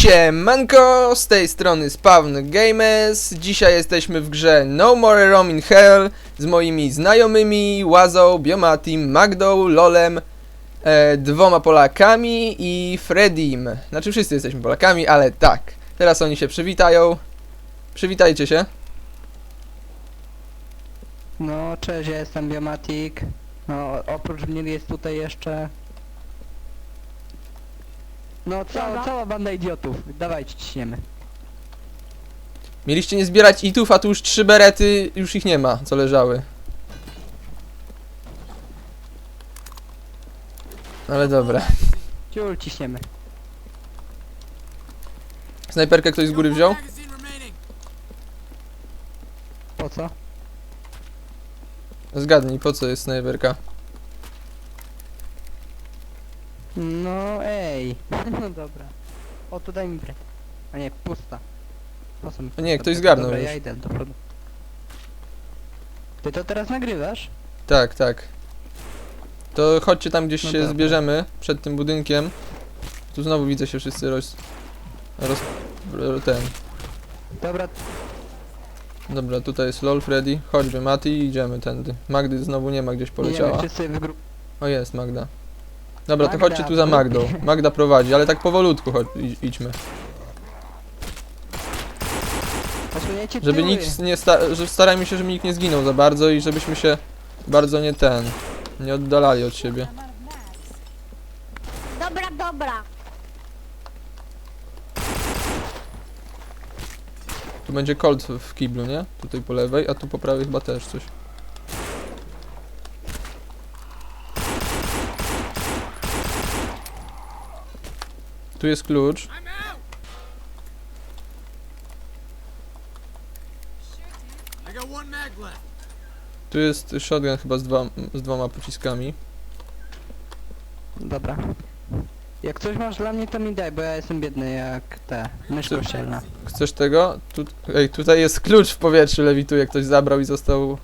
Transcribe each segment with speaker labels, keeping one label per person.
Speaker 1: Siemanko, z tej strony Spawn Games. Dzisiaj jesteśmy w grze No More Room in Hell z moimi znajomymi Łazą, Biomatim, Magdą, Lolem, dwoma Polakami i Fredim. Znaczy wszyscy jesteśmy Polakami, ale tak. Teraz oni się przywitają. Przywitajcie się.
Speaker 2: No, cześć, ja jestem Biomatik. No, oprócz mnie jest tutaj jeszcze... No, cała banda idiotów. Dawajcie, ciśniemy.
Speaker 1: Mieliście nie zbierać itów, a tu już 3 berety, już ich nie ma, co leżały. Ale dobra.
Speaker 2: Ciul, ciśniemy.
Speaker 1: Snajperkę ktoś z góry wziął?
Speaker 2: Po co?
Speaker 1: Zgadnij, po co jest snajperka?
Speaker 2: No, ej. No dobra. O, to daj mi break. A nie, pusta. Po co mi
Speaker 1: O nie,
Speaker 2: pusta?
Speaker 1: ktoś zgarnął
Speaker 2: Dobra,
Speaker 1: już.
Speaker 2: ja idę do przodu. Ty to teraz nagrywasz?
Speaker 1: Tak, tak. To chodźcie tam gdzieś
Speaker 2: No
Speaker 1: się
Speaker 2: dobra.
Speaker 1: zbierzemy, przed tym budynkiem. Tu znowu widzę się wszyscy ten.
Speaker 2: Dobra,
Speaker 1: Dobra, tutaj jest LOL, Freddy, chodźmy Mati i idziemy tędy. Magdy znowu nie ma, gdzieś
Speaker 2: idziemy
Speaker 1: poleciała.
Speaker 2: wszyscy w grupie.
Speaker 1: O, jest Magda. Dobra, to
Speaker 2: Magda,
Speaker 1: chodźcie tu za
Speaker 2: w
Speaker 1: Magdą.
Speaker 2: grupie.
Speaker 1: Magda prowadzi, ale tak powolutku idźmy.
Speaker 2: Posunięcie
Speaker 1: Żeby
Speaker 2: tyły.
Speaker 1: nikt nie że starajmy się, żeby nikt nie zginął za bardzo i żebyśmy się bardzo nie oddalali od siebie.
Speaker 3: Dobra, dobra.
Speaker 1: Tu będzie Colt w kiblu, nie? Tutaj po lewej, a tu po prawej chyba też coś. Tu jest klucz. Tu jest shotgun chyba z dwoma pociskami.
Speaker 2: Dobra. Jak coś masz dla mnie, to mi daj, bo ja jestem biedny jak mysz
Speaker 1: Ty-
Speaker 2: kościelna.
Speaker 1: Chcesz tego? Ej, tutaj jest klucz w powietrzu, lewituje, ktoś zabrał i został...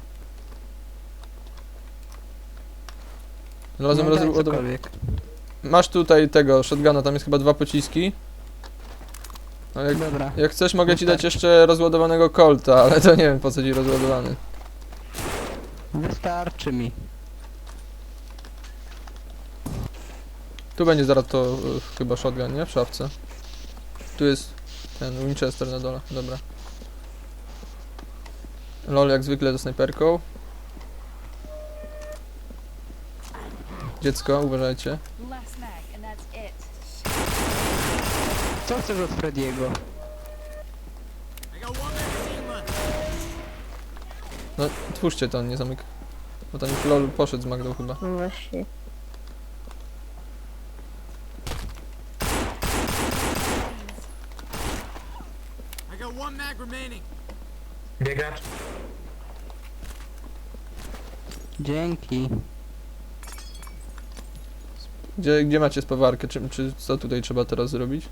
Speaker 1: Razem
Speaker 2: No daj
Speaker 1: rozładowany.
Speaker 2: cokolwiek.
Speaker 1: Masz tutaj tego shotguna, tam jest chyba 2 pociski. No
Speaker 2: Dobra.
Speaker 1: jak chcesz, mogę ci dać jeszcze rozładowanego Colta, ale to nie wiem po co ci rozładowany.
Speaker 2: Wystarczy mi.
Speaker 1: Tu będzie zaraz to chyba shotgun, nie? W szafce. Tu jest ten Winchester na dole, dobra. LOL jak zwykle ze snajperką. Dziecko, uważajcie.
Speaker 3: Last mag and that's it.
Speaker 2: Co chcesz od Frediego?
Speaker 1: No, twórzcie to, nie zamyk. Bo tam już LOL poszedł z Magdą chyba.
Speaker 3: No właśnie.
Speaker 4: Biegacz.
Speaker 2: Dzięki.
Speaker 1: Gdzie macie spawarkę? Czy co tutaj trzeba teraz zrobić?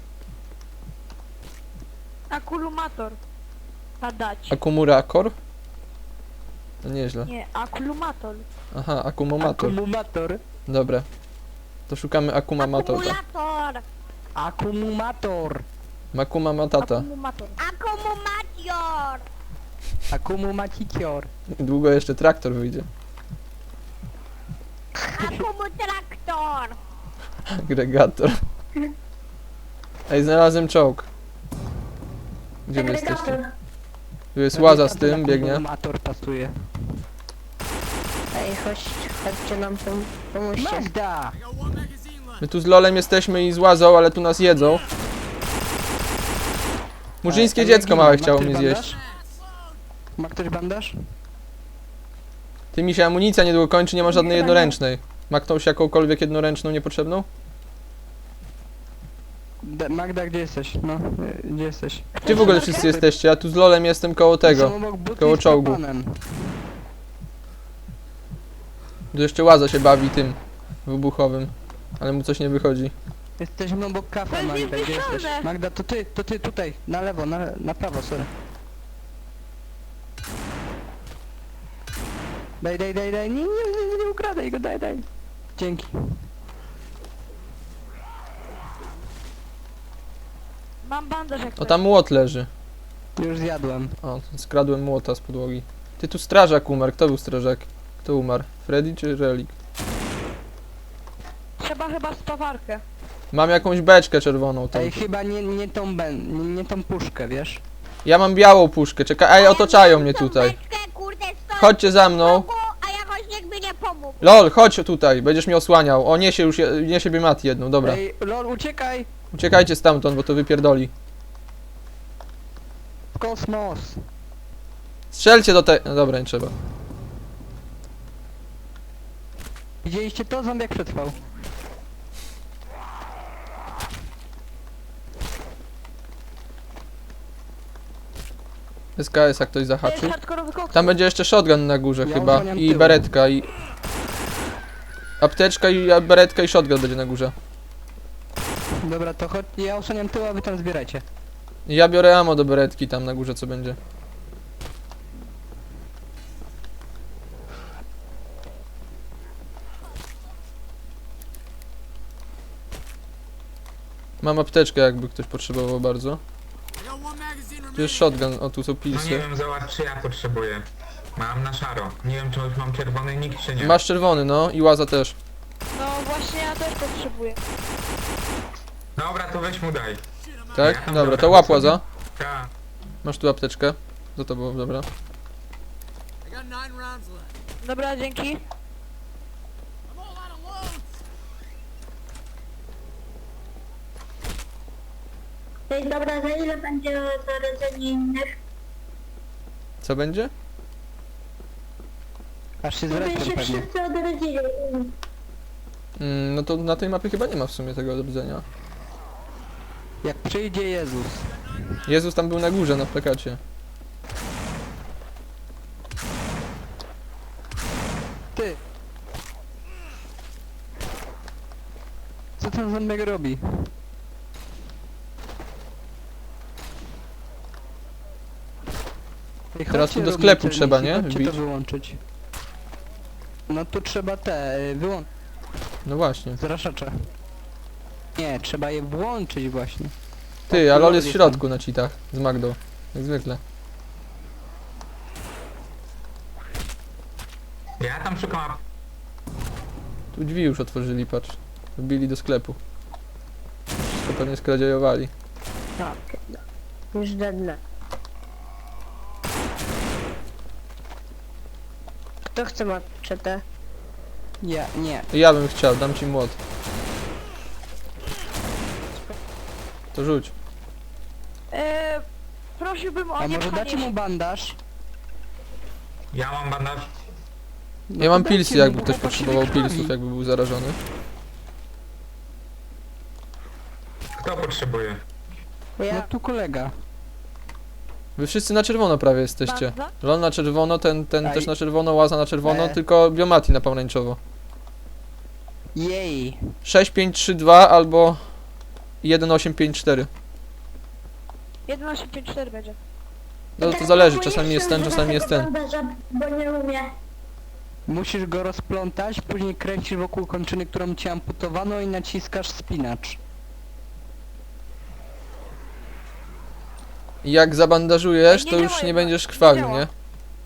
Speaker 3: Akulumator. Padać.
Speaker 1: Akumulator? No nieźle.
Speaker 3: Nie, akulumator.
Speaker 1: Aha, akumomator.
Speaker 2: Akumumator.
Speaker 1: Dobra. To szukamy akumamatora.
Speaker 3: Akumulator.
Speaker 2: Akumumator.
Speaker 1: Makuma matata.
Speaker 3: Akumumator. Akumulator.
Speaker 2: Akumumacicior.
Speaker 1: Długo jeszcze traktor wyjdzie.
Speaker 3: Akumutraktor.
Speaker 1: Agregator. Ej, znalazłem czołg. Gdzie wy jesteście? Tu jest Łaza z tym, biegnie.
Speaker 2: Akumulator pasuje.
Speaker 3: Ej, chodźcie nam pomóżcie.
Speaker 2: Magda!
Speaker 1: My tu z LOLem jesteśmy i z Łazą, ale tu nas jedzą. Murzyńskie
Speaker 2: Ale
Speaker 1: dziecko
Speaker 2: ja
Speaker 1: małe
Speaker 2: ginę.
Speaker 1: chciało
Speaker 2: Ma
Speaker 1: mnie
Speaker 2: ktoś
Speaker 1: zjeść.
Speaker 2: bandaż? Ma ktoś bandaż?
Speaker 1: Ty mi się amunicja niedługo kończy, nie ma żadnej jednoręcznej. Ma ktoś jakąkolwiek jednoręczną niepotrzebną?
Speaker 2: Magda, gdzie jesteś? No, gdzie jesteś?
Speaker 1: Gdzie w ogóle wszyscy jesteście? Ja tu z LOLem jestem koło tego.
Speaker 2: Są obok butli
Speaker 1: koło
Speaker 2: z
Speaker 1: czołgu.
Speaker 2: propanem.
Speaker 1: Tu jeszcze Łaza się bawi tym wybuchowym. Ale mu coś nie wychodzi.
Speaker 2: Jesteśmy obok kafe, Magda, gdzie jesteś? Magda, to ty tutaj, na lewo, na prawo, sorry. Daj, nie ukradaj go, daj. Dzięki.
Speaker 5: Mam bandaż jak
Speaker 1: O, tam młot leży.
Speaker 2: Już zjadłem.
Speaker 1: O, skradłem młota z podłogi. Ty, tu strażak umarł. Kto był strażak? Kto umarł? Freddy czy Relik?
Speaker 5: Trzeba chyba spawarkę.
Speaker 1: Mam jakąś beczkę czerwoną tam.
Speaker 2: Ej, chyba nie tą puszkę, wiesz?
Speaker 1: Ja mam białą puszkę, czekaj. Ej, otaczają mnie tutaj.
Speaker 3: Beczkę, kurde, stoi
Speaker 1: Chodźcie za mną.
Speaker 3: a jakoś nikt mi nie pomógł.
Speaker 1: LOL, chodź tutaj, będziesz mnie osłaniał. O, niesie już, niesie Biomati jedną, dobra.
Speaker 2: Ej, lol, uciekaj!
Speaker 1: Uciekajcie stamtąd, bo to wypierdoli.
Speaker 2: W kosmos!
Speaker 1: Strzelcie do tej... No dobra, nie trzeba.
Speaker 2: Widzieliście to? Zombiak przetrwał.
Speaker 1: SKS, jak ktoś
Speaker 5: To jest
Speaker 1: zahaczy.
Speaker 5: hardkorowy koks.
Speaker 1: Tam będzie jeszcze shotgun na górze
Speaker 2: Ja
Speaker 1: chyba.
Speaker 2: osłaniam
Speaker 1: I
Speaker 2: tyłem.
Speaker 1: beretka i... Apteczka i beretka i shotgun będzie na górze.
Speaker 2: Dobra, to chodź, ja osłaniam tył, a wy tam zbierajcie.
Speaker 1: Ja biorę ammo do beretki tam na górze, co będzie. Mam apteczkę, jakby ktoś potrzebował bardzo. Tu jest shotgun, o tu są
Speaker 4: No nie
Speaker 1: pilsy.
Speaker 4: wiem, zobacz czy ja potrzebuję. Mam na szaro. Nie wiem czy już mam czerwony nick czy nie.
Speaker 1: Masz czerwony, no i łaza też.
Speaker 5: No właśnie ja też potrzebuję.
Speaker 4: Dobra, to weź mu daj.
Speaker 1: Tak?
Speaker 4: Ja tam
Speaker 1: Dobra,
Speaker 4: biorę
Speaker 1: to łap
Speaker 4: sobie.
Speaker 1: łaza.
Speaker 4: Ta.
Speaker 1: Masz tu apteczkę. Za tobą, dobra.
Speaker 5: Dobra, dzięki.
Speaker 3: Ej, dobra, za ile będzie zarażenie innych?
Speaker 1: Co będzie?
Speaker 2: Aż się zrespią pewnie.
Speaker 3: odrodzili.
Speaker 1: No to na tej mapie chyba nie ma w sumie tego do widzenia.
Speaker 2: Jak przyjdzie Jezus.
Speaker 1: Jezus tam był na górze, na plakacie.
Speaker 2: Ty! Co ten zombiak robi? Ej,
Speaker 1: Teraz
Speaker 2: chodźcie,
Speaker 1: tu do
Speaker 2: robimy
Speaker 1: sklepu
Speaker 2: celniki,
Speaker 1: trzeba, nie?
Speaker 2: Chodźcie to
Speaker 1: Wbić.
Speaker 2: wyłączyć. No tu trzeba wyłączyć
Speaker 1: No właśnie.
Speaker 2: zraszacze. Nie, trzeba je włączyć właśnie.
Speaker 1: Ty, a LOL jest w
Speaker 2: jest tam.
Speaker 1: środku na cheatach. Z Magdą. Jak zwykle.
Speaker 4: Ja tam szukam
Speaker 1: Tu drzwi już otworzyli, patrz. Wbili do sklepu. Wszystko pewnie skradziejowali.
Speaker 3: Tak, już żadne. Kto chce maczetę?
Speaker 2: Ja, nie.
Speaker 1: Ja bym chciał, dam ci młot. To rzuć.
Speaker 5: Prosiłbym o
Speaker 2: A
Speaker 5: nie
Speaker 2: może dacie
Speaker 5: pchanie
Speaker 2: mu
Speaker 5: się.
Speaker 2: bandaż?
Speaker 4: Ja mam bandaż.
Speaker 2: No
Speaker 1: Ja
Speaker 2: to
Speaker 1: mam
Speaker 2: dajcie
Speaker 1: pilsy,
Speaker 2: mu,
Speaker 1: jakby
Speaker 2: bo
Speaker 1: ktoś
Speaker 2: chłopak się
Speaker 1: potrzebował
Speaker 2: wykrwawi.
Speaker 1: pilsów, jakby był zarażony.
Speaker 4: Kto potrzebuje?
Speaker 2: No
Speaker 3: Ja.
Speaker 2: tu kolega.
Speaker 1: Wy wszyscy na czerwono prawie jesteście.
Speaker 5: Bandaż?
Speaker 1: LOL na czerwono, ten
Speaker 2: Aj.
Speaker 1: też na czerwono, łaza na czerwono,
Speaker 2: E.
Speaker 1: tylko Biomati na pomarańczowo.
Speaker 2: Jej.
Speaker 1: 6532 albo 1854.
Speaker 5: 1854 będzie.
Speaker 1: No to zależy, czasami jest ten, czasami jest ten.
Speaker 3: Bo nie umie.
Speaker 2: Musisz go rozplątać, później kręcisz wokół kończyny, którą ci amputowano i naciskasz spinacz.
Speaker 1: I jak zabandażujesz,
Speaker 5: Ej, nie
Speaker 1: to już
Speaker 5: działa
Speaker 1: nie
Speaker 5: jednak,
Speaker 1: będziesz
Speaker 5: nie
Speaker 1: krwawił,
Speaker 5: działa.
Speaker 1: nie?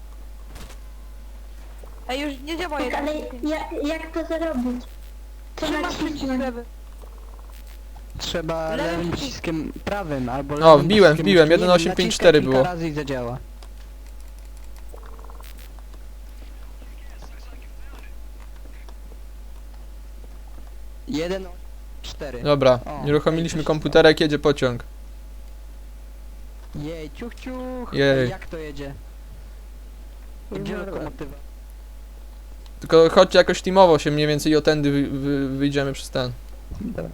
Speaker 5: Ej, już nie działa jeden.
Speaker 3: Jak to zrobić?
Speaker 5: Trzymasz przycisk lewy.
Speaker 2: Trzeba
Speaker 5: Lewym
Speaker 2: lewym
Speaker 5: przyciskiem.
Speaker 2: przyciskiem prawym albo
Speaker 1: O,
Speaker 2: lewym
Speaker 1: wbiłem,
Speaker 2: przyciskiem
Speaker 1: wbiłem,
Speaker 2: myszki. Nie wiem,
Speaker 1: 1854
Speaker 2: naciskaj
Speaker 1: było.
Speaker 2: kilka razy i zadziała. Jeden, 4.
Speaker 1: Dobra,
Speaker 2: O,
Speaker 1: uruchomiliśmy
Speaker 2: ej,
Speaker 1: komputerek, jedzie pociąg.
Speaker 2: Jej, ciuch, ciuch.
Speaker 1: Jej.
Speaker 2: Jak to jedzie? Gdzie lokomotywa?
Speaker 1: Tylko chodźcie jakoś teamowo się mniej więcej i o tędy wyjdziemy przez ten.
Speaker 2: Dobra.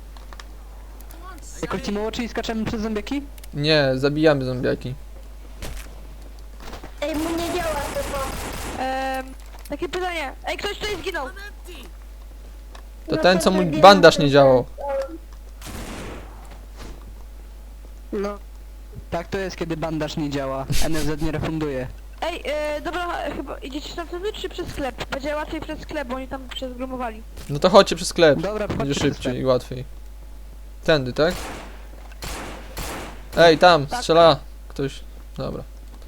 Speaker 2: Jakoś ci mało, czyli skaczemy przez zombiaki?
Speaker 1: Nie, zabijamy zombiaki.
Speaker 3: Ej, mu nie działa to.
Speaker 5: Takie pytanie. Ej, ktoś tutaj zginął.
Speaker 1: To ten, co mu bandaż nie działał.
Speaker 3: No.
Speaker 2: Tak to jest, kiedy bandaż nie działa. NFZ nie refunduje.
Speaker 5: Ej, dobra, chyba idziecie tam wtedy czy przez sklep? Będzie łatwiej przez sklep, bo oni tam przezgrumowali.
Speaker 1: No to chodźcie przez sklep.
Speaker 2: Dobra,
Speaker 1: Będzie
Speaker 2: wchodźcie przez
Speaker 1: szybciej
Speaker 2: sklep.
Speaker 1: i łatwiej. Tędy, tak? Ej, tam,
Speaker 5: Tak.
Speaker 1: strzela ktoś. Dobra.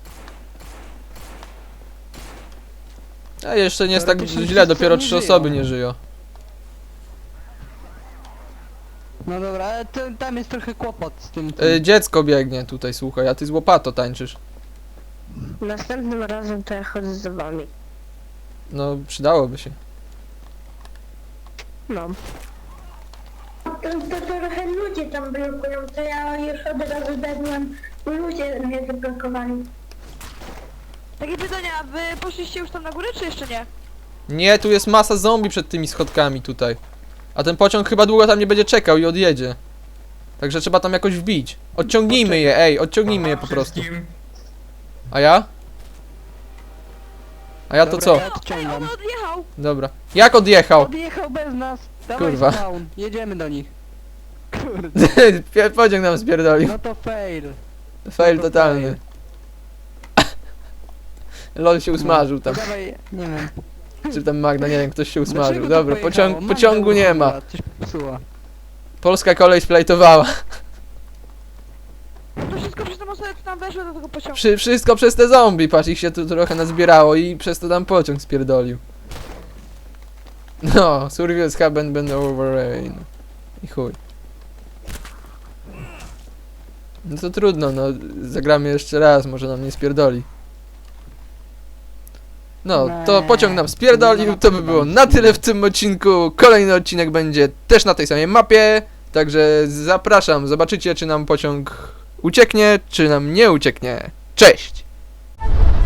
Speaker 1: A jeszcze nie jest tak
Speaker 2: Teoretycznie
Speaker 1: źle, dopiero
Speaker 2: wszyscy
Speaker 1: 3
Speaker 2: nie żyją.
Speaker 1: osoby nie żyją.
Speaker 2: No dobra, ale tam jest trochę kłopot z tym.
Speaker 1: Dziecko biegnie tutaj, słuchaj, a ty z łopato tańczysz.
Speaker 3: Następnym razem to ja chodzę z wami.
Speaker 1: No, przydałoby się.
Speaker 3: No. To trochę ludzie tam blokują, to ja już od razu dedłem, ludzie mnie zablokowali.
Speaker 5: Takie pytanie, a wy poszliście już tam na górę, czy jeszcze nie?
Speaker 1: Nie, tu jest masa zombie przed tymi schodkami tutaj. A ten pociąg chyba długo tam nie będzie czekał i odjedzie. Także trzeba tam jakoś wbić. Odciągnijmy je, ej, odciągnijmy je po prostu.
Speaker 4: Wszystkim.
Speaker 1: A ja? A ja to
Speaker 2: Dobra,
Speaker 1: co?
Speaker 2: Ja
Speaker 5: Ej,
Speaker 2: odciągam.
Speaker 5: on odjechał!
Speaker 1: Dobra. Jak odjechał?
Speaker 2: Odjechał bez nas. Dawaj
Speaker 1: Kurwa.
Speaker 2: spawn. Jedziemy do nich. Kurde.
Speaker 1: Pociąg nam spierdolił.
Speaker 2: No to fail.
Speaker 1: Fail
Speaker 2: no to
Speaker 1: totalny. LOL się usmażył
Speaker 2: To
Speaker 1: tam.
Speaker 2: dawaj, nie wiem.
Speaker 1: Czy tam Magda, nie wiem, ktoś się
Speaker 2: Dlaczego
Speaker 1: usmażył.
Speaker 2: to
Speaker 1: Dobra,
Speaker 2: pojechało? Magda
Speaker 1: pociągu nie ma.
Speaker 2: uruchomiła, Coś popsuła.
Speaker 1: Polska kolej splajtowała.
Speaker 5: To wszystko przez tą osobę, co tam weszło do tego pociągu.
Speaker 1: Wszystko przez te zombie, patrz, ich się tu trochę nazbierało i przez to tam pociąg spierdolił. No, survivors haven't been over rain. I chuj. No to trudno, no, zagramy jeszcze raz, może nam nie spierdoli. No, to pociąg nam spierdolił, to by było na tyle w tym odcinku. Kolejny odcinek będzie też na tej samej mapie, także zapraszam, zobaczycie czy nam pociąg ucieknie, czy nam nie ucieknie. Cześć!